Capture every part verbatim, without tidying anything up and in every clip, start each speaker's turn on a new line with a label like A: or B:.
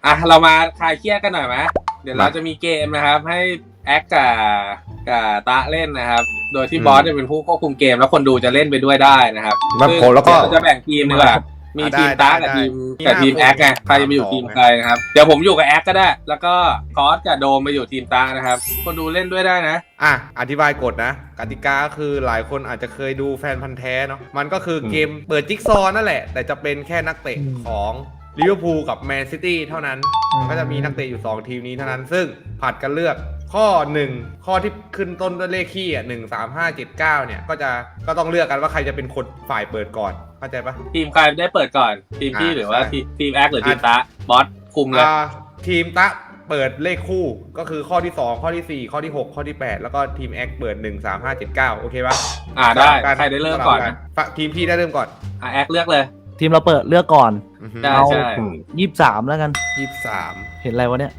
A: อ่ะเรามาคลายเครียดกันหน่อยไหมเดี๋ยวเราจะมีเกมนะครับให้แอคกับกับตะเล่นนะครับโดยที่บอสจะเป็นผู้ควบคุมเกมแล้วคนดูจะเล่นไปด้วยได้นะครับซึ่งเราจะแบ่งทีมดีกว่ามีทีมตากับทีมกับทีมแอคไงใครจะไปอยู่ทีมใครนะครับเดี๋ยวผมอยู่กับแอคก็ได้แล้วก็คอสกับโดมไปอยู่ทีมตานะครับคนดูเล่นด้วยได้นะ
B: อ่ะอธิบายกฎนะกติกาคือหลายคนอาจจะเคยดูแฟนพันธ์แท้เนาะมันก็คือเกมเปิดจิ๊กซอว์นั่นแหละแต่จะเป็นแค่นักเตะของลิเวอร์พูลกับแมนซิตี้เท่านั้นก็จะมีนักเตะอยู่สองทีมนี้เท่านั้นซึ่งผัดกันเลือกข้อหนึ่งข้อที่ขึ้นต้นด้วยเลขคี่อ่ะหนึ่งสามห้าเจ็ดเก้าเนี่ยก็จะก็ต้องเลือกกันว่าใครจะเป็นคนฝ่ายเปิดก่อนเข้าใจปะ
A: ทีมใครได้เปิดก่อนทีมพี่หรือว่าทีมแอคหรือทีมตาบอสคุมเลย
B: ทีมตะเปิดเลขคู่ก็คือข้อที่สองข้อที่สี่ข้อที่หกข้อที่แปดแล้วก็ทีมแอคเปิดหนึ่ง สาม ห้า เจ็ด เก้าโอเคปะ
A: อ่าได้ใครได้เริ่มก่อน
B: ทีมพี่ได้เริ่มก่อน
A: อ่าแอคเลือกเลย
C: ทีมเราเปิดเลือกก่อน
A: เอา
C: ยี่สิบสามแล้วกัน
B: ยี่สิบสาม
C: เห็นอะไรวะเนี่ย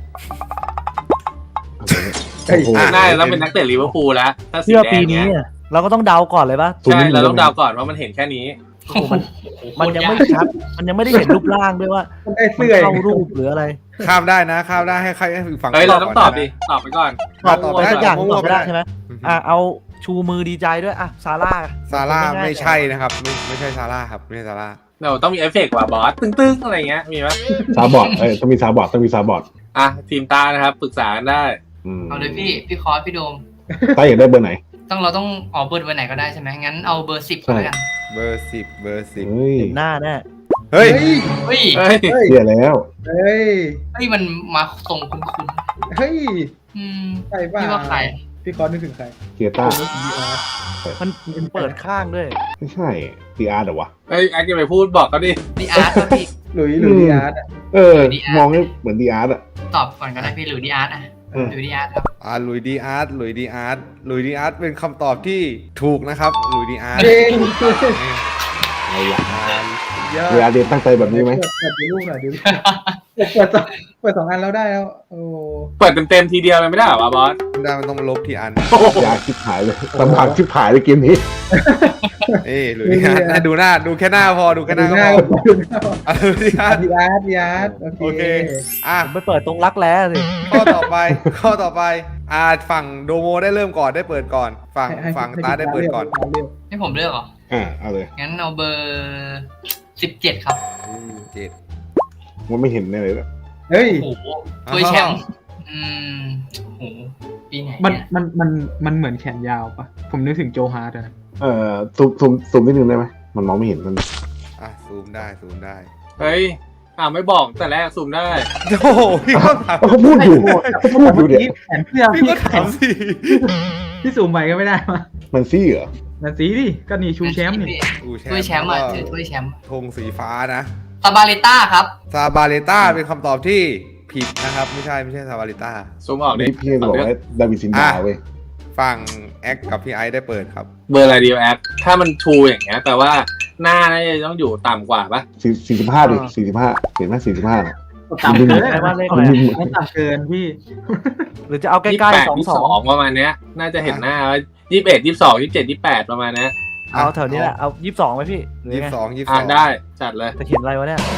A: น่าจะต้องเป็นนักเตะลิเวอร์พูลแล้วถ้าสี
C: แดงเนี้ยเราก็ต้องเดาก่อนเลยปะ
A: ใช่เราต้องเดาก่อนว่ามันเห็นแค่นี้
C: มันมันยังไม่ชัดมันยังไม่ได้เห็นรูปร่างด้วยว่ามันเข้ารูปหรืออะไร
B: ข้ามได้นะข้ามได้ให้ใครให้ฝั่ง
A: เฮ้ยเราต้องตอบดิตอบไปก่อน
C: ตอบได้อย่างตอบไม่ได้ใช่ไหมอ่ะเอาชูมือดีใจด้วยอ่ะซาร่า
B: ซาร่าไม่ใช่นะครับไม่ไม่ใช่ซาร่าครับไม่ใช่ซาร่า
A: เราต้องมีเอฟเฟกต์ว่ะบอสตึ้งๆอะไรเงี้ยมีไหม
D: ซาบอร์ดเอ้ยต้องมีซาบอร์ดต้องมีซาบอร์ด
A: อ่ะทีมตานะครับปรึกษากันได้
E: เอาเลยพี่พี่คอสพี่โดม
D: ตาอยากได้เบอร์ไหน
E: ต้องเราต้องออกเบอร์เบอร์ไหนก็ได้ใช่ไหมงั้นเอาเบอร์สิบก็แล้วกัน
B: เบอร์สิบเบอร์สิบ
C: เห็นหน้าแน่
B: เฮ้ย
E: เฮ้ย
D: เฮ้ยแล้ว
E: เฮ้ยเฮ้ยมันมาตรงคุณคุณ
F: เฮ้ย
E: อืม
F: ใครบ้า
E: พี่ว่าใคร
F: พี่คอสนึกถึงใคร
D: เกียร์ต้า
C: มันเปิดข้างด้วย
D: ไม่ใช่ดีอาร์เหรอวะ
A: เฮ้ยแอคจะไปพูดบอกก็ดิ
E: ดีอาร์ตพี่
F: หลุยหลุยดีอาร์ต
D: เออมองให้เหมือนดีอาร์ตอะ
E: ตอบก่อนก็ได้พี่หลุยดีอาร์ตอ่ะหลุยดีอาร์ตครับ
B: อ่าหลุยดีอาร์ตหลุยดีอาร์ตหลุยดีอาร์ตเป็นคำตอบที่ถูกนะครับหลุยดีอาร์ต
D: ไอ้ยาเวลาเรียนตั้งใจแบบนี้ไหม
F: เปิดรูปหน่อยดิเปิดสองเปิดสองอันแล้วได้แล้วโอ้
A: เปิดเต็มๆทีเดียวเลยไม่ได้หรอบอส
B: ไม่ได้มันต้องลบทีอัน
D: ยาชิบหายเลยลำบากชิบหายเลยเกมนี้
B: เอ้หลุยดีอาร์ตดูหน้าดูแค่หน้าพอดูแค่หน้าก็พอหลุยดีอาร์ต
F: ดีอาร์ตดีอาร์ต
B: โอเคอ่ะ
C: ไม่เปิดตรงรักแร้สิ
B: ข้อต่อไปข้อต่อไปอ่าฝั่งโดโมได้เริ่มก่อนได้เปิดก่อนฝั่งฝั่งตาได้เปิดก่อน
E: ให้ผมเลือกเหรอ
D: อ่าเอาเลย
E: งั้นเอาเบอร์สิบเจ็ดครับ
B: เจ็ด
D: มันไม่เห็นเลยเลย
F: เฮ้ย
E: โอ้โหตัวแชมป์อืมโอ้โหปีไหน
F: มันมันมันมันเหมือนแขนยาวปะผมนึกถึงโจฮาร์ดนะ
D: เอ่อซูมซูมซูมนิดนึงได้ไหมมันมองไม่เห็นมัน
B: อ่ะซูมได้ซูมได้
A: เฮ้ยอ่าไม่บอกแต่แรกซูมได้
B: โอ้โหพี่ก็ถาม
D: เขาพูดอยู่เขาพูดอยู่เนี่ย
F: แขนเสื้อ
B: พี่ก็ถามสิ
F: พี่ซูมไปก็ไม่ได้มา
D: มันซี่เหรอ
F: มันสีดิก็นี่ชูแชมป์นี่
E: ถ้วยแชมป์อ่ะถือถ้วยแชมป์
B: ธงสีฟ้านะ
E: ซาบาเลต้าครับ
B: ซาบาเลต้าเป็นคำตอบที่ผิดนะครับไม่ใช่ไม่ใช่ซาบาเลต้า
A: ซูมออกดิ
D: พี่บอกว่าดาวิดซินดาเว้ย
B: ฝั่งแอคกับพี่ไอซ์ได้เปิดครับ
A: เบอร์อะไรดีแอคถ้ามันชูอย่างเงี้ยแต่ว่าหน้าน่าจะต้องอยู่ต่ำกว่าปะ
D: สี่สี่สิบห้าดิสี่สิบห้าเห็นไหมสี่สิบห้าเนี่ย
F: ต่ำเกินว่าเลขอะไรไม่ต่ำเกินพี่
C: หรือจะเอาใกล้ๆสองสอง
A: ประมาณเนี้ยน่าจะเห็นหน้ายี่สิบเอ็ดยี่สิบสองยี่สิบเจ็ดยี่สิบแปดประมาณนี้
C: เอาแถวนี้แหละเอายี่สิบสองไหมพี่
B: ยี่สิบสองยี่สิบส
A: องได้จัดเลย
C: จะเขียนอะไรวะเนี่ย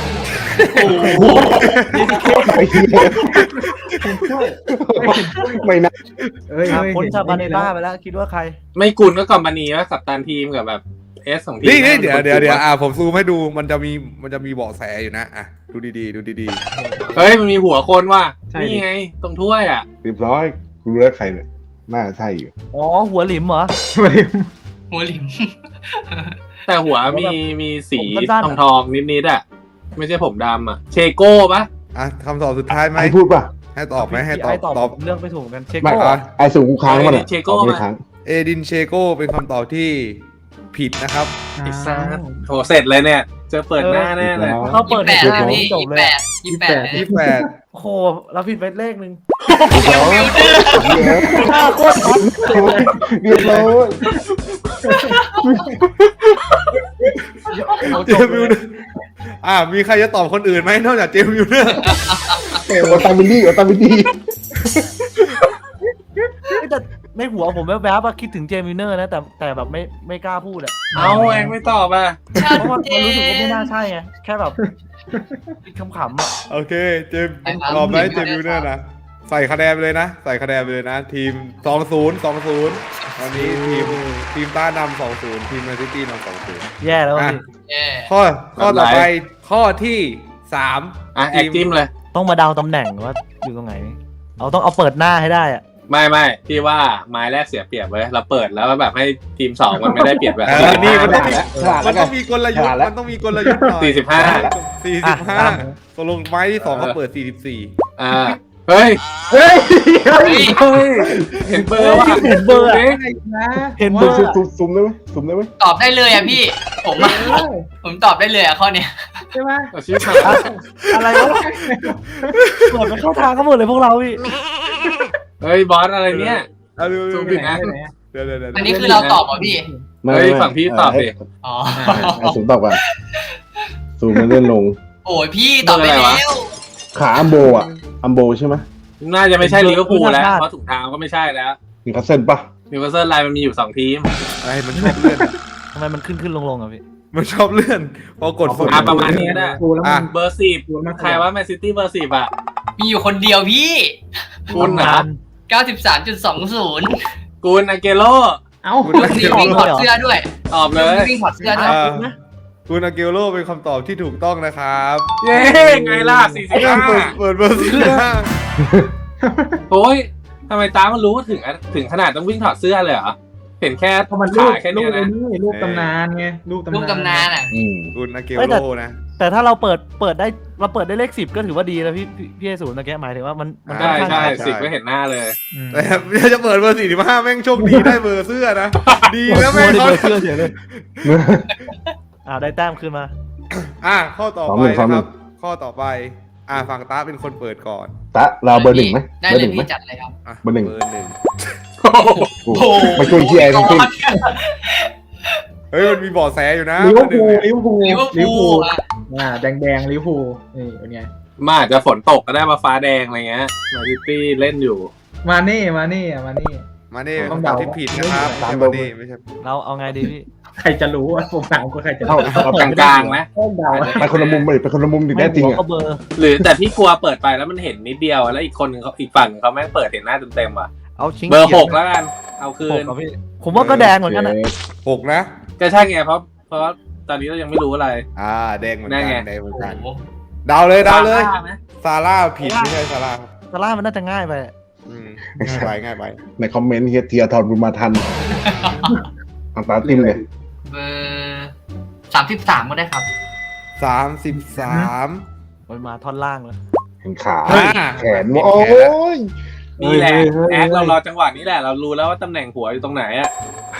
D: ไม่นะ
C: เอ้ยพ้นซาบาเนต้าไปแล้วคิดว่าใคร
A: ไม่กุนก็กอมบานีว่ากัปตันทีมกับแบบเอสของทีม
B: นี่เดี๋ยวเดี๋ยวเดี๋ยวอ่าผมซูมให้ดูมันจะมีมันจะมีเบาะแสอยู่นะอ่ะดูดีๆดูดี
A: ๆเฮ้ยมันมีหัวคนว่ะนี่ไงตรงถ้วยอ่ะ
D: เรียบร้อยคุณรู้แล้วใครเนี่ยน่าใช่อยู่
C: อ๋อหัวหลิมเหรอ
F: หัวหลิม
E: หัวหลิม
A: แต่หัวมีมีสีทองทองนิดๆอ่ะไม่ใช่ผมดำอ่ะเชโก้ปะ
B: อ่ะคำตอบสุดท้ายไหม
D: ให้พูดป่ะ
B: ให้ตอบไหมให้ตอบ
C: ตอบเรื่องไปถูกกันเชโก้
D: ไอสูงกูค้างมันอ่ะ
A: เชโก้
D: ไม่ค้าง
B: เอดินเชโก้เป็นคำตอบที่ผิดนะครับ
A: อีซ่าโหเสร็จเลยเนี่ยจะเปิดหน้าแน่เลย
C: เขาเปิดแปด
E: พี่จบเลยยี่สิบแปด
B: ยี่สิบแปด
C: โอ้โหเราผิดไปเลขหนึ่ง
E: เดี๋ยวเดี๋ยวเดี๋ยว
C: โคตรท็อป
D: เรียบร้อย
B: เจมมิวอ่ามีใครจะตอบคนอื่นไหมนอกจากเจมมิวเนอร์
D: โอตามินี่โอตามินี่
C: แต่ในหัวผมแวบๆว่าคิดถึงเจมิเนอร์นะแต่แต่แบบไม่ไม่กล้าพูดอะ
A: เอาแองไม่ตอบอ่ะ
C: เพราะว่ามันรู้สึกว่าไม่น่าใช่ไงแค่แบบคิดขำๆอะ
B: โอเคเจมส์ตอบไหมเจมส์ยูเนอร์นะใส่คะแนนไปเลยนะ ใส่คะแนนไปเลยนะ ทีมสองศูนย์ สองศูนย์ตอนนี้ทีมทีมต้านำสองศูนย์ทีมแมนซิตี้นำสองศูนย์
C: แย่แล้ว
B: อ่ะ
C: พี่
E: เย่
B: ข้อข้อต่อไปข้อที่สาม
A: อ่ะแอคจิ้มเลย
C: ต้องมาเดาตำแหน่งว่าอยู่ตรงไหนเอาต้องเอาเปิดหน้าให้ได้อะ
A: ไม่ไม่พี่ว่าไม้แรกเสียเปรียบเว้ยเราเปิดแล้วแบบให้ทีมสองมันไม่ได้เปรียบแบบ
B: เออนี่มันต้องมี
D: ฉลาด
B: มั
D: แล้
B: น
D: วกั
B: ต้
D: น
B: องมีกลยุทธ์มันต้องมีกลยุทธ์หน่อย
A: สี่สิบห้า
B: สี่สิบห้าตกลงไม้ที่สองเขาเปิดสี่สิบสี่
A: อ่าเฮ้ย
D: เฮ้ย
E: เฮ้ย
A: เฮ้ยเห็นเบอร์ว่ะ
C: เห็นเบอร์อะ
A: ดูดิ
F: นะ
C: เห็นเบ
D: ซุ่
C: อ
D: ม
C: ร์
D: ซุ่มซุ่มได้ไหมซุ่มได้ไหม
E: ตอบได้เลยอ่ะพี่ ผมอะผมตอบได้เลยอ่ะข้อเนี้ย
F: ใช่ไหม
A: เอาชื่อมา
C: อะไรวะเปิดไปเข้าทางก็หมดเลยพวกเราพี่
A: เฮ้ยบอสอะไรเนี่ย
B: เอาดู
A: ซู
B: ดู
A: มผิดนะ
B: เดี๋ยวเดี๋ยวเดี๋ยว
E: อันนี้คือเราตอบเหรอพี่
A: เฮ้ยฝั่งพี่ตอบดิ
E: อ๋อ
D: ให้ซุ่มตอบก่อนซูมมันเลื่อนลง
E: โอ้ยพี่ตอบไปแล้ว
D: ขาอัมโบอ่ะอัมโบใช่ไหม
A: น่าจะไม่ใช่ลิเวอร์พูลแล้วเพราะถุงเท้าก็ไม่ใช่แล้ว
D: มีคัสเซิลปะ
A: นิวคาสเซิลไลน์มันมีอยู่สองทีม
B: อะไรมันชอบเลื่อนอะ
C: ทำไมมันขึ้นขึ้นลงลงอะพี่
B: มันชอบเลื่อนพอกด
A: อ่ะประมาณนี้ก็ได้
F: ดูแล้วมัน
A: เบอร์สิบใครว่าแมนซิตี้เบอร์สิบอ่ะ
E: มีอยู่คนเดียวพี่
A: คุณเหรอ
E: เก้าสิบสามจุดสองศูนย์
A: กุนอาเกโร
F: เอ้า
B: คุณ
E: ดูสิวิ่งถอดเสื้อด้วย
A: ตอบเลย
E: วิ่งถอดเสื้อด้วย
B: อ่าคุณอาเกโรเป็นคำตอบที่ถูกต้องนะครับ
A: เย้ไงล่ะสี่สิบห้า
B: เปิดเปิดเบอร์สี่สิบห้า
A: โอ้ยทำไมตามันรู้ถึงถึงขนาดต้องวิ่งถอดเสื้อเลยเหรอ เห็นแค่
F: เพราะมันรู
A: ขา
F: ป
A: แค่
F: รู
A: เนี้ย
F: ป
A: นะ
F: นี่รูปตำนานไงรูปตำนาน
E: ลูกตำนานอ่ะ
D: อืม
B: คุณอาเก
C: เฮ้ย
B: โร
C: แต่
B: นะ
C: แต่ถ้าเราเปิดเปิดได้เราเปิดได้เลขสิบก็ถือว่าดีแล้วพี่พี่พี่เอศูนย์ตะแกหมายถึงว่ามันมันค่อ
A: ใช่
C: นข้าง
A: ใช่
B: ใช่
A: สิบก็เห็นหน้าเลย
F: อืม
B: แต่ถ้าจะเปิดเบอร์สี่สิบห้าแม่งโชคดีได้เบอร์เสื้อนะ ดีแล้ว
C: ไม่
B: แม่ง
C: ได้
B: เขา
C: เบอร์เสื้อเฉยเลยอ่าได้แต้มขึ้นมา
B: อ่ะข้อต่อ
D: สอง
B: ไป
D: หนึ่งสอง
B: นะ
D: ห
B: ค
D: นึ่
B: รั
D: ง
B: บ ข้อต่อไป อ่ะฝั่งตาเป็นคนเปิดก่อน
D: ตะเราเบอร์หนึ่งไหม
E: ได้
D: เบอร์
E: เล
D: ห
E: ย
D: นึ่งไหม
E: พี่จัดเลยครับ
B: อ่ะ
D: เบอร์หนึ่ง
B: เบอร์หนึ่ง
D: โอ้โหไม่ช่วยเชียร์ทั้งสิ้น
B: เฮ้ยมันมีเบาะแสอยู่นะ
F: ลิเวอร์
B: เบ
F: พู
B: อ
F: ล
B: ร์หนึ่ง
F: ลิเวอร์พูล
E: ลิเวอร์พูลอ่ะ
F: อ่าแดงแดงลิเวอร์พูลนี่เป็นไง
A: มาอาจจะฝนตกก็ได้มาฟ้าแดงอะไรเงี้ยแมนซิตี้เล่นอยู่
F: มาเน่มาเน่อะมาเน่
B: มานี่
F: ต้อง
B: คำตอบ
F: เดา
B: ที่ผิดนะครับ
D: ตาม
B: ไม่
D: เบอ
B: ใช่
D: ร์
B: มานี่ไม่ใช่
C: เราเอาไงดีพี่
F: ใครจะรู้ว่าผมถามก็ใครจะ
D: เท่า
F: รู้
D: เท่าก
A: ลางกลางๆนะ
F: ต้องเดาอะ
D: ไปคนละมุมเลยไปคนละมุมถึงได้จริง
C: หัว
D: อ่ะ
C: ก็เบอร์
A: หรือแต่พี่กลัวเปิดไปแล้วมันเห็นนิดเดียวแล้วอีกคนนึงเขาอีกฝั่งหนึ่งเขาแม่งเปิดเห็นหน้าเต็มๆว่ะ
C: เอาชิง
A: เบอร์หกแล้วกันเอาคื
C: หก
A: น
C: เหรอพี่ผมว่าก็แดงเหมือนกันอะ
B: หกนะ
A: ก็ใช่ไงเพราะเพราะตอนนี้เรายังไม่รู้อะไร
B: อ่าแดงเหมือน
A: นั่
B: กัน
A: นไง
B: แดงเหมือน
E: โอ้
B: กัน
E: โห
B: เดาเลยเดาเลย
A: ซร่ไหม
B: ซาร่าผิดไม่ใช่ซาร่าครับ
C: ซาร่ามันน่าจะง่ายไปอะ
B: อืมง่ายไปง่ายไป
D: ในคอมเมนต์เฮียเทียทอนบุญมาทันอังตาติมเลย
E: เบอร์สามสิบสามก็ได้ครับ
B: สามสิบสาม
C: มันมาท่อนล่างเลย
D: เห็นขา
B: เฮ้ย
D: แขนโอ้ย
A: นี่แหละ
D: เฮ้ยเฮ้ยเฮ้ย
A: แอคเรารอจังหวะนี้แหละเรารู้แล้วว่าตำแหน่งหัวอยู่ตรงไหนอะ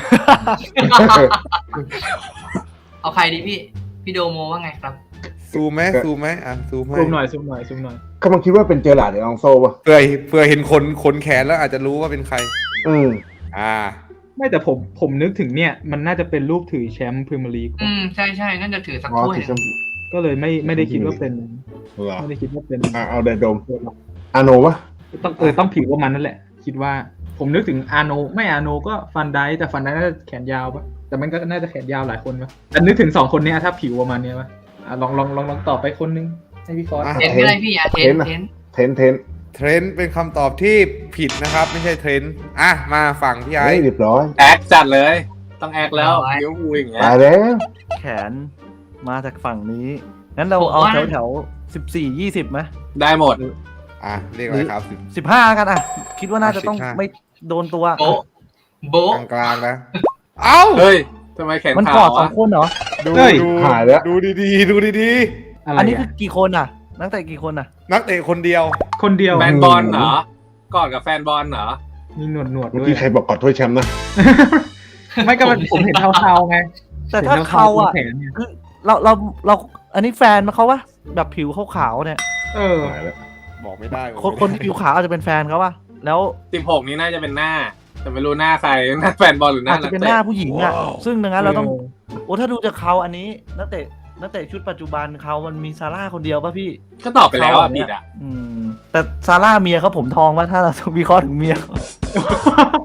E: เอาใครดีพี่ พี่โดโมว่าไงครับ
B: ซูมไหมซูมไหมอ่ะซูมให้
F: ซูมหน่อยซูมหน่อยซูมหน่อย
D: กำลังคิดว่าเป็นเจอหลาดหรืออองโซ่ป่ะ
B: เผื่อเผื่อเห็นขนขนแขนแล้วอาจจะรู้ว่าเป็นใคร
D: อืม
B: อ่า
F: ไม่แต่ผมผมนึกถึงเนี่ยมันน่าจะเป็นรูปถือแชมป์พรีเมียร์ลีก
E: อืมใช่ใช่น่าจะถือสัก
D: อ๋อ
E: ถ้วย
D: ถือ
E: หนึ่ง
D: ชม
F: ก็เลยไม่ไม่ได้คิดว่าเป็น
D: เหรอ
F: ไม่ได้คิดว่าเป็น
D: อ่ะเอาเดนโดมอาโนป่ะ
F: ต้องเออต้องผิวว่ามันนั่นแหละ คิดว่าผมนึกถึงอาโนไม่อาโนก็ฟันไดแต่ฟันไดน่าจะแขนยาวปะแต่มันก็น่าจะแขนยาวหลายคนปะแต่นึกถึงสองคนเนี้ยถ้าผิวประมาณเนี้ยปะอ่ะลองลองลองลองตอบไปคนนึงให้พี่ฟอส
B: อ่ะ
E: เทนก็ได้พี่อ่ะเทนเทน
D: เทนเทน
B: เทรนด์เป็นคำตอบที่ผิดนะครับ ไม่ใช่เทรนด์อ่ะมาฝั่งพี่ไอ้
D: เฮ้ยเรียบร้อย
A: แอคจัดเลย ต้องแอคแล้วลิเวอร์พูลอย่างเงี้ย
D: ตายแล้ว
C: แขนมาจากฝั่งนี้งั้นเราเอาแถวแถวสิบสี่ยี่สิบไหม
A: ได้หมด
B: อ่ะเรียกอะไรครับ
C: สิบห้ากันอ่ะ คิดว่าน่าจะต้อง
B: สิบห้า
C: ไม่โดนตัว
E: โบะโบะ
B: กลางๆนะ เอ้า
A: เฮ้ยทำไมแขน
C: มัน
A: ขาก
C: อ
A: ว
C: ดสอ
A: อะ
C: งคนเหรอ
B: ดู
F: เฮ้ย
B: ดู
D: หายแล้ว
B: ดูดีๆ ดูดี
F: อะไร
C: อันนี้คื
F: อ่ะ
C: อกี่คนอ่ะ นักเตะกี่คนอ่ะ
B: ๆ นักเตะคนเดียว
F: คนเดียว
A: แฟนบอลเหรอ กอดกับแฟนบอลเหรอ
F: มีหนวดหนวด
D: เมื่อ
F: ด้วย
D: กี้ใครบอกกอดถ้วยแชมป์นะ
F: ไม่ก็มันผมเห็นเทาๆไง
C: แต่ถ้าเขาอ่ะ
F: ห็นทๆตรงแขนเนี่ย
C: คือเราเราเราอันนี้แฟนมาเขาวะแบบผิวขาวๆเนี่ย
F: เออ
D: หายแล้ว
B: บอกไม่ได้
C: คนคนที่ผิวขาวอาจจะเป็นแฟนเขาวะแล้ว
A: สิบหกนี้น่าจะเป็นหน้า แต่ไม่รู้หน้าใคร หน้าแฟนบอลหรือหน้า
C: อาจ
A: นั
C: จะ
A: ก
C: เป็น
A: เตะ
C: หน้าผู้หญิงอ่ะ ซึ่งดังนั้นเราต้อง
F: เออ
C: โอ้ถ้าดูจากเขาอันนี้นักเตะนักเตะชุดปัจจุบันเขามันมีซาร่าคนเดียวป่ะพี่
A: ก็ตอบไปแล้วอ่ะผิดอ่ะ
C: อืมแต่ซาร่าเมียเขาผมทองว่าถ้าเราวิเคราะห์ถึงเมียเขา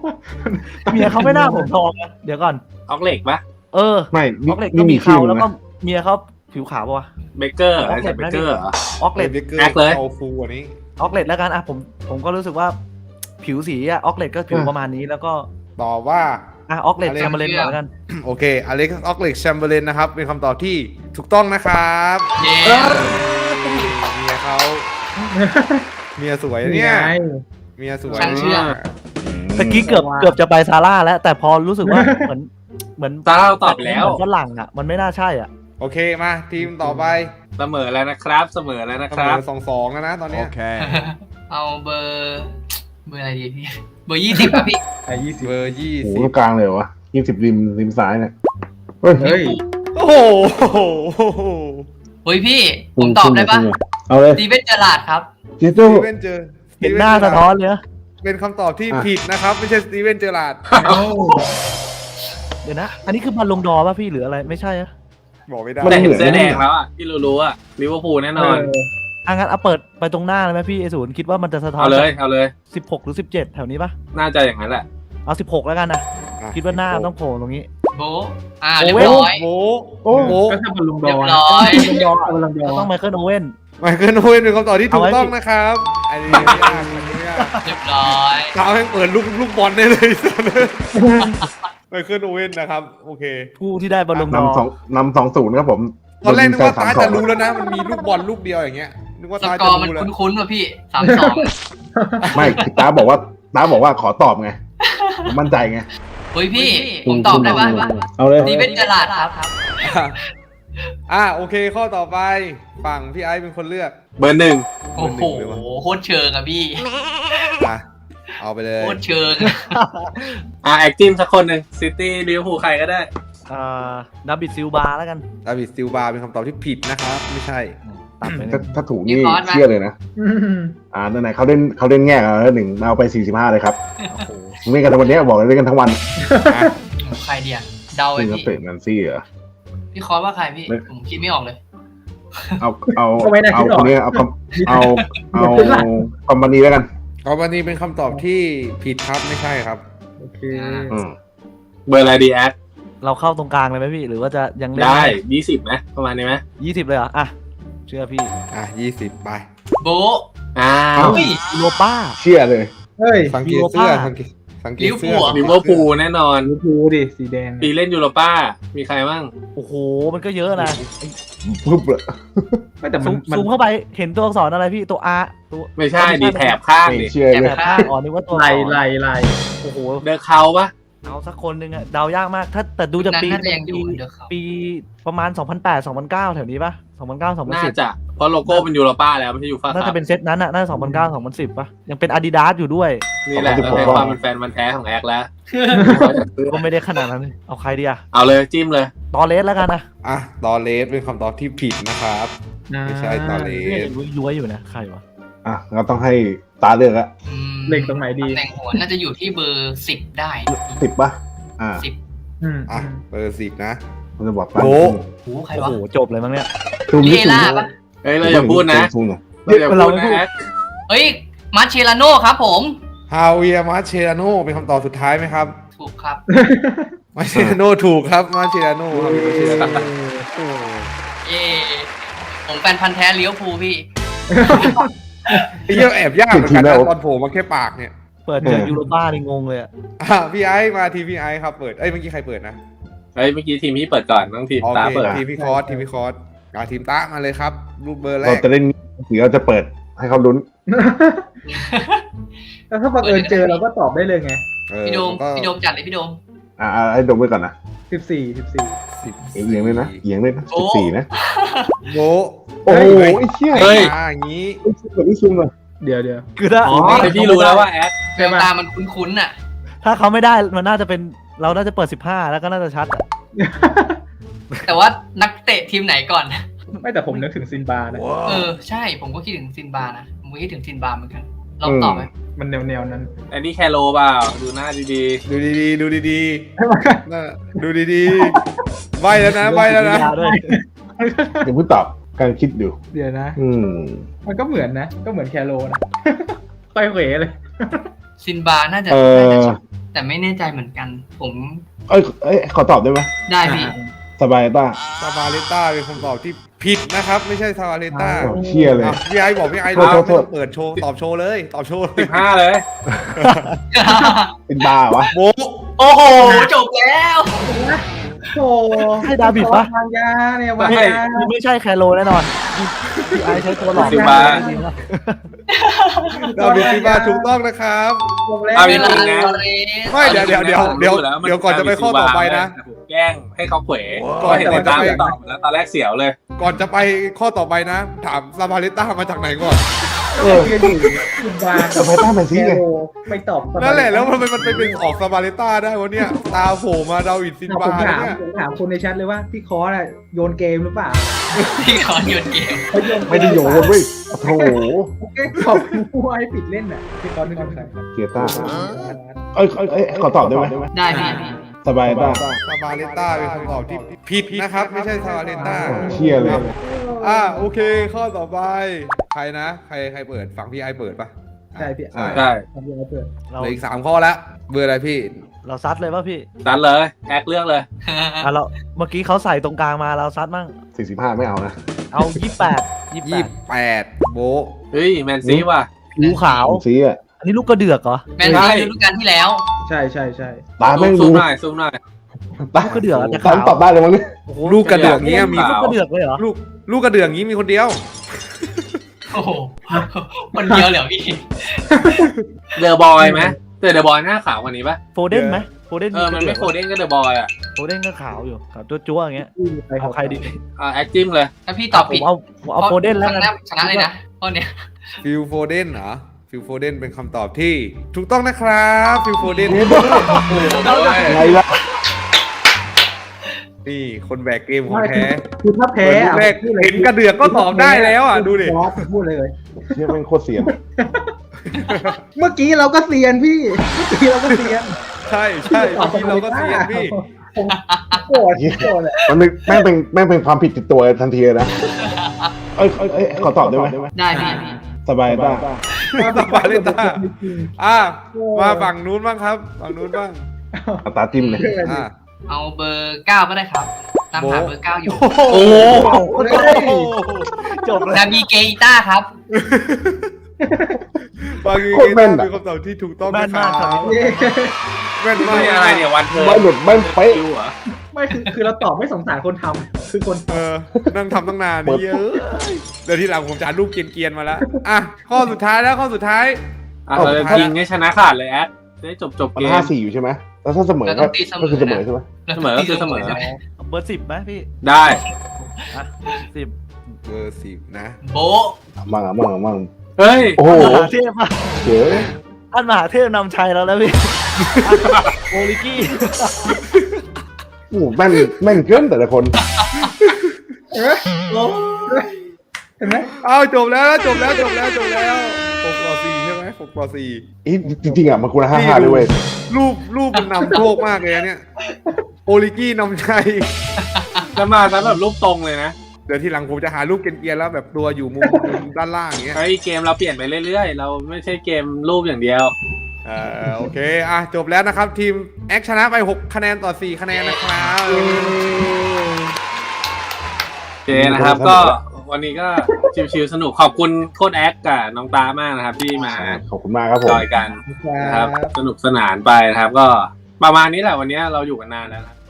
C: เมียเขาไม่น่าผมทองนะเดี๋ยวก่อน
A: ออกเหล็กปะ
C: เออ
D: ไม่
C: อ
D: นี่
C: อกเหล็กก็
D: นี่
C: มี
D: มีชื่
C: เขา
D: อ
C: แล้ว
D: นะ
C: ก็เมียเขาผิวขาวปะวะ
A: เบเกอร์อะไรใส่เบเกอร์เหรอ
C: ออกเหล็ก
B: เบเกอร์
A: แอคเลย
B: เอาฟูกว่านี้
C: ออกเหล็กแล้วกันอ่ะผมผมก็รู้สึกว่าผิวสีอะออกเหล็กก็ผิวประมาณนี้แล้วก็
B: ตอบว่า
C: อ่ะออกเหล็ก
B: อะไร
C: แชมเบอร์เลนก่อนแล้วกัน
B: โอเคอเล็กซ์ออกเล็กแชมเบอร์เลนนะครับ เป็นคำตอบที่ถูกต้องนะครับ
E: เย้
B: เมียเขาเมียสวยนะเนี่ย
F: ไง
B: เมียสวย
E: ช่างเชื่อม
C: ตะกี้เกือบเกือบจะไปซาร่าแล้ว แต่พอรู้สึกว่า เหมือนเหมือน
A: ตาเราตอบแล้ว
C: เหมือนฝรั่งอ่ะมันไม่น่าใช่อ่ะ
B: โอเคมาทีมต่อไป
A: เสมอแล้วนะครับ เสมอแล้วนะ
B: เส
A: ค
B: ม
A: รับ
B: อสองสองแล้วนะตอนเนี้ย
E: เอาเบอร์เบอร์อะไรดีพี่เบอร์ยี่สิบอะพี่
F: ไอ้ยี่สิบ
B: เบอร์ยี่
D: โอ้โห
B: สิ
D: ตร
B: บ
D: งกลางเลยวะยี่สิบริมริมซ้ายเนี่ยเฮ้ย
F: เฮ้ย
B: โอ้โห
E: เฮ้ยพี่ผมตอบได้ปะ
D: เอาเลย
E: สตีเวนเจอราร์ดครับ
D: เจ
B: ส
D: โต้
B: ตีเวนเจอ
C: เห็นหน้าสะท้อนเลยนะ
B: เป็นคำตอบที่ผิดนะครับ ไม่ใช่สตีเวนเจอราร์ด
C: เดี๋ยวนะ อันนี้คือบอลลงดอร์ป่ะพี่หรืออะไรไม่ใช่อะ
B: บอกไม่ได้
A: แต่เห็นเสื้อแดงแล้วอ่ะที่รู้ๆอ่ะลิเวอร์พูลแน่นอน
C: อ่ะงั้นเอาเปิดไปตรงหน้าเลยไหมพี่ไอศูนย์คิดว่ามันจะสะท้อน
A: เอาเลยเอาเลย
C: สิบหกหรือสิบเจ็ดแถวนี้ป่ะ
A: น่าจะอย่างนั้นแหละ
C: เอาสิบหกแล้วกันนะ
B: อ่ะ
C: คิดว่าหน้าต้องโผล่ตรงนี้
E: โบะอ่าเรียบร้อย
B: โอ้
D: โอ้
B: โห
F: ก็ถ้าบอลลูนด
E: เรี
F: อย
E: บ
F: ร์
E: ร้อย
F: บอลลูนดอร์บอลลูนดอ
C: ก็
F: ร์
C: ต้องไมเคิลโอเว่น
B: ไมเคิลโอเว่นเป็นคำตอบที่ถูก
C: เอาไว้
B: ต้องนะครับอันนี้ไม่ยากอันนี้ไม่ยาก
E: เรียบร้อย
B: เท้าแม่งเปิดลูกลูกบอลได้เลย ไมเคิลโอเว่นนะครับ โอเค
C: ผู้ที่ได้บอลลงดอร์
D: นำสองนำสองศูนย์ครับผม
B: ตอนแรกนึกว่า
D: โด
B: ตาน
D: ยิงใส่
B: จะ
D: สม
B: รู้แล้วนะ มันมีลูกบอลลูกเดียวอย่างเงี้ย นึกว่า
E: ส
B: ตาก
E: อ
B: จะ
E: ร์มัน
B: รู้แล้ว
E: คุ้นๆว่ะพี่สามสอง
D: ไม่ตาบอกว่าตาบอกว่าขอตอบไงผมมั่นใจไง
E: เฮ้ยพี่ผมตอบได้ปะ
D: เอาเลย
E: สตีเวนเจอราร์ดครับ
B: อ่ะโอเคข้อต่อไปฝั่งพี่ไอซ์เป็นคนเลือก
A: เบอร์หนึ่ง
E: โอ้โหโคตรเชิงอะพี่
B: อ่ะเอาไปเลย
E: โคตรเชิง
A: อ่ะแอคจิมสักคนหนึ่งซิตี้ลิเวอร์พูลใครก็ได้
C: อ่าดับบิดซิลบาแล้วกัน
B: ดาวิดซิลบาเป็นคำตอบที่ผิดนะครับ ไม่ใช่
C: ตัดไปห
D: ถ้า
C: นึ่ง
D: ถ้าถูกนี่
E: มีคอร์สไหม
D: เชื่อเลยนะ
F: อืม
D: อ่านั่นไหนเขาเล่นเขาเล่นแง่กันแล้วหนึ่งเอาไปสี่สิบห้าเลยครับ
B: โอ้โห
D: เล่นกันทั้งวันนี้บอกเลยเล่นกันทั้งวัน
B: อ่ะ
E: ใครเดียเดาไป
D: ซึ่งนัก
E: พี่
D: เตะแมนซี่เหรอ
E: พี่คอร์สว่าใครพี่
D: ไม่
E: ผมคิดไม่ออกเลย
D: เอาเอา
F: ก็ไม่ได้
D: เอา
F: คิดอ
D: ค
F: อก
D: นนี้เอาคอมเอาเอาคอมพานีแล้วกัน
B: เอาวันนี้เป็นคำตอบที่ผิดครับไม่ใช่ครับ
F: โอเค
D: อืม
A: เบอร์อะไรดีแอค
C: เราเข้าตรงกลางเลยไหมพี่ หรือว่าจะยังเล่น
A: ได้ยี่สิบไหมประมาณนี้ไหม
C: ยี่สิบเลยเหรออ่ะเชื่อพี่
B: อ่ะยี่สิบไป
E: โบะ
A: อ้าว
E: เฮ้ย
C: โลป้า
D: เชื่อเลย
F: เฮ้ย
B: สังเกตเสื้อ
C: ยูโรป้า
B: สังเกตสังเกตเสื้อ
E: ลิเวอร์พูล
A: ลิเวอร์พูลแน่นอน
F: ลิเวอร์พูลดิสีแดง
A: ปีเล่นยูโรป้า มีใครบ้าง
C: โอ้โหมันก็เยอะนะ
D: ปุ๊บเลย
F: ไม่แต่มั
C: ซู
F: น
C: ม
F: มัน
C: ซูมเข้าไปเห็นตัวอักษรอะไรพี่ตัว R ตัว
A: ไม่ใช่ดีแถบข้าง
D: ไม่
A: ดิ
D: เชื่อ
C: แถ
D: เลย
C: บข้างอ๋อนึกว่าตัว
F: ไหล
C: อักษร
F: ไหลไหล
C: โอ้โห
A: เดอะเขาปะ
C: เอาสักคนหนึ่งอะเดายากมาก ถ้าแต่ดูจาก
E: นั้น
C: ปี
E: น่าจะยังอยู่
C: ปี
E: เดี๋ยวเขา
C: ปีประมาณ สองพันแปด สองพันเก้า แถวนี้ปะสองพันเก้า สองพัน
A: น่า
C: สิบ
A: จะเพราะโลโก้เป็นยูโรป้าแล้วไม่ใช่ยูฟ่า
C: น่า
A: ครั
C: จะ
A: บ
C: เป็นเซตนั้นอะน่าจะสองพันเก้า สองพันสิบปะยังเป็น Adidas อยู่ด้วย
A: นี่แหละเราให้ความเป็นแฟนมันธุ์แท้ของแอคแล้ว
C: ก็ไม่ได้ขนาดนั้น เอาใครดีอะ
A: เอาเลยจิ้มเลย
C: ตอเลสแล้วกันนะ
B: อ่ะตอเลสเป็นคำตอบที่ผิดนะครับ ไม่ใช่ตอเล
C: เนี่ย
B: ส
C: ย้วยๆอยู่นะ ใครวะ
D: อ่ะเราต้องให้ตาเลือกละ
E: อืม
F: เล็งตรงไหนดี
E: ตำแหน่งหัวน่าจะอยู่ที่เบอร์สิบได้
D: สิบป่ะอ่า
E: สิบ
F: อืม
B: อ่ะเบอร์สิบนะ
D: มันจะบอก
B: โอ้
E: โอ้ใคร
C: โอ้
E: วะ
C: โห จบเลยมั้งเนี่ย
D: ซูม
E: เล
D: นี่ซูม
E: ล่า
D: นี่
E: ปะ
A: เฮ้ยเราอย่าพูดนะ
D: ซูมหน่อย
A: เราอย่าพูดนะแอค
E: เฮ้ยมาเชลาโน่ครับผม
B: ฮาเวียร์มาเชราโนเป็นคำตอบสุดท้ายไหมครับ
E: ถูกครับ
B: มาเชราโนถูกครับมาเชราโนฮาเวียร์มาเชราโนโอ้
E: เย่ผมแฟนพันธ์แท้เลี้ยวภูลพี่
B: ไอ้เหี้ยแอบยากเหมือนกันนะตอนโผล่มาแค่ปากเนี่ย
C: เปิดเจอยูโรป้านี่งงเลยอะ
B: อ่ะพี่ไอซ์มาทีพี่ไอซ์ครับเปิดเอ้ยเมื่อกี้ใครเปิดนะ
A: เฮ้ยเมื่อกี้ทีมพี่เปิดก่อนต้องทีม
B: โอ
A: ตา
B: เค
A: เปิด
B: ทีมพี่คอร์สทีมพี่คอร์สอ่ะทีมตามาเลยครับ รูปเบอร์แร
D: เรา
B: ก
D: จะเล่นหรือเราจะเปิดให้เขาลุ้น
F: แล้วถ้าบังเอิญเจอเราก็ตอบได้เลยไง
B: เออ
E: พี่โดม
B: ก็
E: พี่โดมจัดเลยพี่โดม
D: อ่าให้ดมไปก่อนนะ
F: สิบสี่สิบสี่
B: สิบ
D: เอียงเลยนะเอียงเลยนะ
E: โอ้
D: สิบสี่นะ
B: โบะ
D: โอ้โห
B: เฮ้ย
D: ไอ้เชี่ย
A: เฮ้ย
B: อ่าอย่างนี้
D: ไอ้เชี่ยแบบนี้ซูมเลย
F: เดี๋ยวเดี๋ยว
C: คือถ้า
F: อ๋อ
A: ไอพี่รู้แล้วว่าแอค
E: แววตามันคุ้นๆน่ะ
C: ถ้าเขาไม่ได้ มันน่าจะเป็น เราน่าจะเปิดสิบห้าแล้วก็น่าจะชัดอะ
E: แต่ว่านักเตะทีมไหนก่อน
F: ไม่แต่ผมนึกถึงซินบานะ
E: เออใช่ผมก็คิดถึงซินบานะผมก็คิดถึงซินบาเหมือนกันลองตอบไหม
F: มันแนวแนวๆนั้น
A: ไอ้นี่แคโรเปล่าดูหน้าดี
B: ดูดีๆดูดีๆน่ะดูดีๆใบแล้วนะใบแล้วนะ
C: ด้วย
D: เดี๋ยวพูดตอบการคิดดู
F: เดี๋ยวนะ
D: อืม
F: มันก็เหมือนนะ ก็เหมือนแคโรนะ ไปเหวเลย
E: ซินบาน่าจะ
D: เอ
E: น่า
D: อ
E: จะแต่ไม่แน่ใจเหมือนกัน ผม
D: เอ้ยเอ้ยขอตอบได้ไหม
E: ได้พี่
D: สบายต้า
B: ซาบาเลต้าเป็นคำตอบที่ผิดนะครับ ไม่ใช่ซาบาเลต้า
D: โอ้เชี่ยเลย
B: อ่ะพี่ไอ้บอกพี่ไอ้
D: โทษ
B: นะ
D: โท
B: ไม่
D: ษ
B: ต้องเปิดโชว์ตอบโชว์เลย ตอบโชว์
A: สิบห้าเลย
D: เป็นบ้าวะ
B: โบะ
E: โอ้โห จบแล้ว
F: โอ้
C: ให้ดาบิดปะ
F: วางยาเนี่ยวาง
A: ไม่
F: ยา
C: นี่ไม่ใช่แคโรแน่นอนพี่ไอใช้ตัวหลอก
A: ซิบา
C: จริงๆนะ
B: ดาวิดซิบาถูกต้องนะครับ
F: บอกแล้ว
A: เอาจ
E: เว
A: ริ
E: ลาง
A: ๆนะ
E: ตอเรส
B: ไม่เดี๋ยวเดี๋ยวเดี๋ยวเดี๋ยว
A: รู้แล้มัน
B: เดี๋ยวก่อนจะไปข้อต่อไปนะ
A: ผมแกล้งให้เขาเขว
B: ก่
A: ก็
B: อน
A: เห็น
B: ก่
A: ใน
B: อนจะ
A: ตาม
B: ไป
A: ตอบแล้วตอนแรกเสียวเลย
B: ก่อนจะไปข้อต่อไปนะ ถามซาบาเลต้ามาจากไหนก่อน
D: เออ
F: ยืนอยู่คุณวาง
D: สบายต้าเป็นซีไง
F: ไม่ตอบ
B: นั่นแหละแล้วมันมันเป็นออกซาบาเลต้าได้วะเนี่ยตาโผล่มาดาวิดซิน
F: ผม
B: บา
F: ถาม
B: เนี่ย
F: ผมถามคนในแชทเลยว่าพี่คอร์สอะโยนเกมหรือเปล่า
E: พี่ขอหยุดเกม
F: เขาโยน
D: ไม่ได้โยนเว้ยโอ้โห
F: แค่ขอบผู้ให้ปิดเล่นน่ะพี่คอร์สนึกถึงใคร
D: เกียร์ต้าเอ้ยเอ้ยเอ้ยขอตอบได้ไหม
E: ได้พี่
D: สบายต้า
B: ซาบาเลต้าเป็นคำตอบที่ผิดนะครับ ไม่ใช่ซาบาเลต้า
D: เชี่ยเลย
B: อ่ะโอเค ข้อต่อไป ใครนะ ใครใครเปิดฝั่งพี่ไอเปิดปะ
F: ใช่พี่
B: อ่ะ
A: ใช่
F: ทำยังไงเปิด
C: เรา
B: เหลืออีกสามข้อแล้วเบอร์อะไรพี่
C: เราซัดเลยป่ะพี่
A: นั้นเลย แอคเลือกเลย
C: อ่ะเราเมื่อกี้เขาใส่ตรงกลางมาเราซัดมั่ง
D: สี่สิบห้าไม่เอานะ
C: เอายี่แปดยี่แป
B: ยี่
C: ด
B: แปดโบะ
A: เฮ้ย แมนซีว่ะ
C: หูขาว
D: ซีอ่ะ
C: อันนี้ลูกกระเดือกเหรอ
E: แมนซีฤดูกาลที่แล้ว
F: ใช่ใช่ใช่
D: ตาแม่ง
A: ซู
D: ดู
A: มหน่อยซูมหน่อย
D: ตา
C: ลูกกระเดือกอะแต่
D: ตา
C: ขาว
D: ตอบได้เลยมั้งเนี่ย
C: โอ้โห
B: ลูกกระเดื่องเงี้ยมี
A: ขาว
C: ลูกกระเดือกเลยเหรอ
B: ลูกลูกกระเดื่องงี้มีคนเดียว
E: โอ้โหคนเดียวเหรอพี่
A: เดอะบอยไหมแต่เดอะบอยหน้าขาวกว่านี้ปะ
C: โฟเดนไหมโฟเดน
A: เออ มันไม่โคเด้งก็เดอะบอยอ่ะ
C: โฟเดนก็ขาวอยู่ขาวจั๊วๆอย่างเงี้ยเอาใครดี
A: อ่าแอคจิ้มเลย
E: ถ้าพี่ตอบ
C: ผ
E: ผิด
C: มเอาผมเอาโฟเดนแล้ว
E: ช
C: กัน
E: นะชนะเลยนะข้อเนี้ย
B: ฟิลโฟเดนเหรอฟิลโฟเดนเป็นคำตอบที่ถูกต้องนะครับฟิลโฟเดน
D: อะไรล่ะ
B: นี่คนแบกเกมของแท้
F: คือถ้าแพ้
B: เปิดลูกแรกเห็นกระเดือกก็ตอบได้แล้วอ่ะดูดิ
F: บอสพูดเลย
D: เชี่ยแม่งโคตรเสียน
F: เมื่อกี้เราก็เซียนพี่ เมื่อกี้เราก็เซียน
B: ใช่ใช่เมื่อกี้เราก็เสียนพี่
F: ผมโกรธโกรธเลย
D: มันเป็นแม่งเป็นแม่งเป็นความผิดติดตัวทันทีเลยนะเอ้ยเอ้ยเอ้ยขอตอบได้ไหม
E: ได้พี่
D: สบายต้า
B: สบายเลยตาอ่ะมาฝั่งนู้นบ้างครับฝั่งนู้นบ้าง
D: เอาตาจิ้มเลย
B: อ่ะ
E: เอาเบอร์เก้าก็ได้ครับ ตามหาเบอร์เก้าอยู่
B: โอ้โห
C: จบเลย
E: นาบีเกอิต้าครับ
B: บางทีเป็นคำตอบที่ถูกต้อง
C: แม่
B: นะ
C: น
B: ค
C: มา
B: รั
C: กครับ
B: บแม่นมาก
A: นี่อะไรเนี่ยวันเธอ
D: ไม่หลุดแม่งเป๊ะ
A: คิวเหรอ
F: ไม่คือคือเราตอบไม่สงสารคนทำคือคน
B: เออนั่งทำตั้งนานนี่เยอะเดี๋ยวทีหลังผมจะรูปเกรียนๆมาแล้วอ่ะข้อสุดท้ายแล้วข้อสุดท้าย
A: อ่ะเราจะยิงให้ชนะขาดเลยแอคจะได้จบจบ
D: มัน
A: เกม
D: ห้าสี่อยู่ใช่ไหมแล้วถ้าเสมอ
E: เราต้
D: ก็
E: องตีเสมอ
D: ก็คือเสมอใช่ไหม
A: เสมอก็คือเสมอ
E: ใช่ไหม
C: เบอร์สิบไหมพี่
A: ได้
C: อ่ะสิบ
B: เบอร์สิบนะ
E: โบะ
D: มั่งอ่ะมั่งอ่ะมั่ง
A: เฮ้ย
D: โอ้โห
C: มหาเทพอะ
D: เจ๋อ
C: ท่านมหาเทพนำชัยแล้วแล้วพี่โอลิกี้
D: โอ้โหแม่งแม่งเกินแต่ละคน
F: เห็นไหม
B: เอาจบแล้วจบแล้วจบแล้วจบแล้วหกต่อสี่ใช่ไหมหกต่อสี่
D: อีจริงๆอ่ะมันควรห้าห้าเลยเว้ย
B: รูปรูปมันนำโชคมากเลยนะเนี่ยโอลิกี้นำชัย
A: จะมาซะแบบรูปตรงเลยนะ
B: เดี๋ยวทีหลังผมจะหารูปเกรียนๆแล้วแบบตัวอยู่มุมมุมด้านล่างอย่างเงี้ย
A: เฮ้ยเกมเราเปลี่ยนไปเรื่อยๆ เราไม่ใช่เกมรูปอย่างเดียว
B: เออโอเคอ่ะจบแล้วนะครับ ทีมแอคชนะไปหกคะแนนต่อสี่คะแนนนะครับ
A: โอเคนะครับก็วันนี้ก็ชิวๆสนุกขอบคุณโค้ดแอคกับน้องตามากนะครับ ที่มา
D: ขอบคุณมากครับผม
A: จอยกันนะครับ สนุกสนานไปนะครับ ก็ประมาณนี้แหละวันนี้เราอยู่กันนานแล้วนะครับ